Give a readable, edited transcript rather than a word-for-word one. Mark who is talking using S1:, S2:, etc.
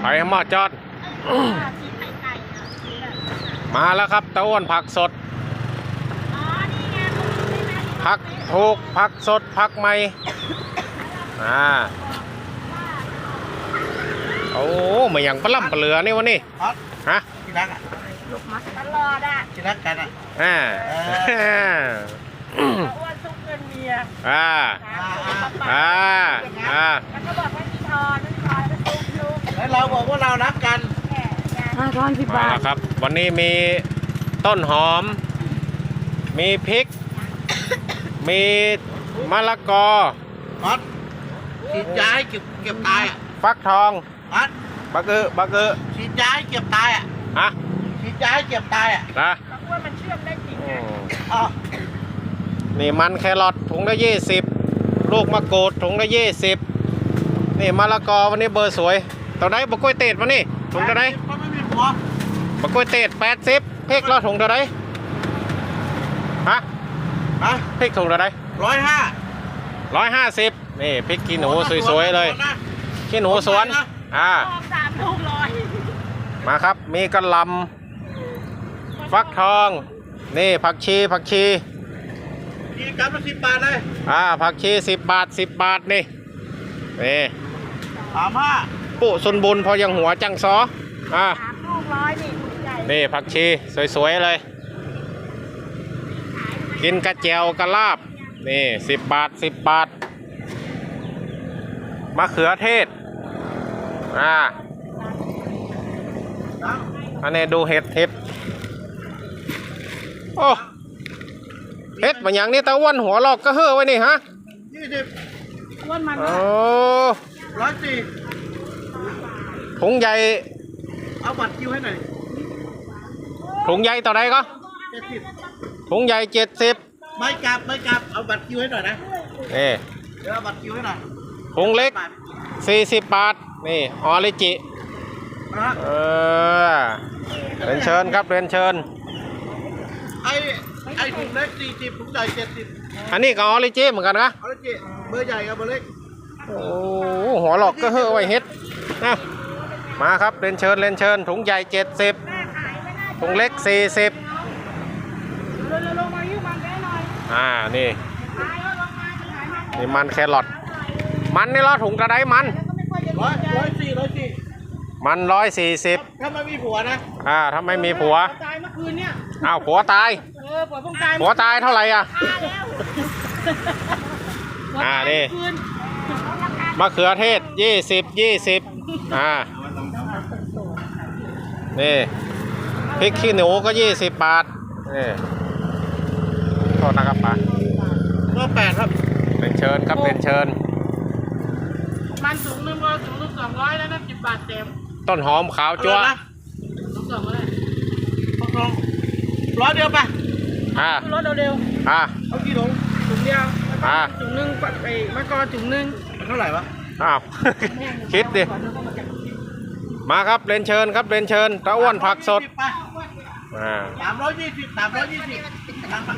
S1: ไปหม้อจอด มาแล้วครับตะอ้วนผักสดผักถูกผักสดผักใหม่โอ้มาอย่างปลาล่ำปลาเหลือนี่วะนี่ฮะ
S2: ที่รักอ่ะ
S3: ลูกมัดตลอดอ่ะ
S2: ที่รักกันอ่ะ
S3: อ้วนซุกเงินเมียแล้วก็บอกว่ามีทอนไม่ทอนก็ซุกลูก
S2: แล้วเราบอกว่าเรารักกัน
S3: ทอน10 บาท
S1: ครับวันนี้มีต้นหอมมีพริกมีมะละกอ
S2: มัดฉีดยาให้เก็บตายอ่ะ
S1: ฟักทอง
S2: มัด
S1: บักเกอ
S2: ฉีดยาให้เก็บตายอ่ะฉีดยาให้เก็บตายอ่ะ
S1: นะ
S3: ว่ามันเชื่อมได้จริง
S1: นี่มันแครอทถุงละ20ลูกมะกรูดถุงละ20นี่มะละกอวันนี้เบอร์สวยตอนไหนบะกล้วยเตดวันนี้ถุงเท่าไหร่
S2: ไม่มีผัว
S1: บะกล้วยเตด80พริกละถุงเท่าไหร่พริกถุงเท่าไหร่150นี่พริกขี้หนูสวยๆเลยขี้หนูสวน
S3: 3 ลูก100
S1: มาครับมีกระหล่ำฟักทองนี่ผักชี
S2: กินกันมา10 บาทเลย
S1: ผักชี10 บาทนี่
S2: 35
S1: ปุ๊สุนบุญพอยังหัวจังซอ
S3: 3 ลูก100
S1: นี่ผักชีสวยๆเลยกินกระเจียวกระลาบนี่10 บาทมะเขือเทศอันนี้ดูเห็ดโอ้เห็ดมันอย่างนี้ตะวันหัวลอกก็เฮ้อไว้นี่ฮะ
S2: 20อ้วนมัน
S1: โอ้
S2: 104
S1: ถุงใหญ่
S2: เอาบัตรคิวให้หน่อย
S1: ถุงใหญ่ต่อใดก็
S2: 70
S1: ถุงใหญ่70
S2: ไม่กลับเอาบัตรคิวให้หน่อยนะ
S1: เ
S2: ดี๋ยวเอาบัตรคิวให้หน่อย
S1: ถุงเล็ก40 บาทนี่ออริจิเรียนเชิญครับเรียนเชิญ
S2: ไอ้ถุงเล็ก40ถุงใหญ่70
S1: อันนี้ก็ออริจิเหมือนกันนะ
S2: ออริจิเบอร์ใหญ่กับเบอร์เล็ก
S1: โอ้หัวหลอกก็เฮ้อไว้เฮ็ดนะมาครับเรียนเชิญถุงใหญ่70ถุงเล็ก40นี่มันแครอทมันนี่ละถุงกระไดมัน
S2: 104
S1: มัน140
S2: ถ้าไม่มีผัวนะ
S1: ถ้าไม่มีผัว
S3: ตายเมื่อคืนเนี่ย
S1: ผัวตายผัวตายเท่าไหร่นี่มะเขือเทศ20นี่พริกขี้หนูก็20 บาทนี่โทษนะครับป้า
S2: ก็8ครับ
S1: เป็นเชิญครับเป็นเชิญ
S3: มันถุงนึงก็ถุงนึง200แล้วนะ10 บาทเต็ม
S1: ต้นหอมขาวจั๊ว
S3: ถุง2ก็ได้
S2: 100เดียวป่ะ
S3: รถเร็ว
S2: เอากี่ถุง
S3: เดียวถุงนึงไปมะกอกถุงนึง
S2: เท่าไหร่วะ
S1: คิดดิมาครับเรียนเชิญครับเรียนเชิญตะอ้วนผักสด
S2: 320